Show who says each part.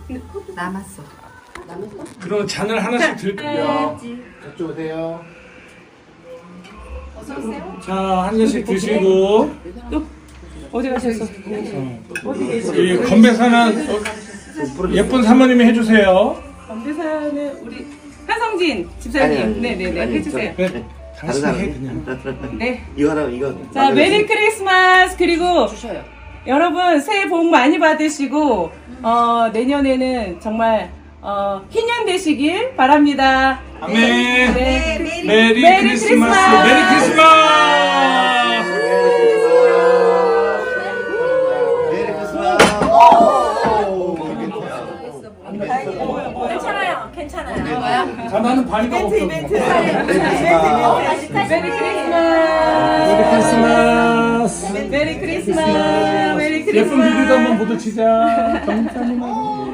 Speaker 1: 남았어.
Speaker 2: 그럼 잔을 하나씩 드릴게요.
Speaker 3: 저쪽 오세요.
Speaker 2: 자, 한 잔씩 드시고.
Speaker 4: 어디 가셨어?
Speaker 2: 이 건배사는 예쁜 사모님이 해주세요.
Speaker 4: 건배사는 우리 한성진 집사님. 네네네 해주세요.
Speaker 2: 그래, 당신이 해 그냥.
Speaker 4: 네.
Speaker 3: 이거 하나 이거.
Speaker 4: 자 메리 크리스마스. 그리고 여러분 새해 복 많이 받으시고 내년에는 정말 희년 되시길 바랍니다.
Speaker 2: 아멘.
Speaker 4: 네.
Speaker 2: 메리
Speaker 4: 메리
Speaker 2: 크리스마스. 메리 크리스마스.
Speaker 3: 메리 크리스마스.
Speaker 1: 괜찮아요. 괜찮아요.
Speaker 2: 자, 나는 반이가 없어.
Speaker 4: 메리 크리스마스.
Speaker 2: 메리 크리스마스.
Speaker 4: 메리 크리스마스. 메리 크리스마스.
Speaker 2: 예쁜 비디오도 한번 보도 치자. 감사합니다.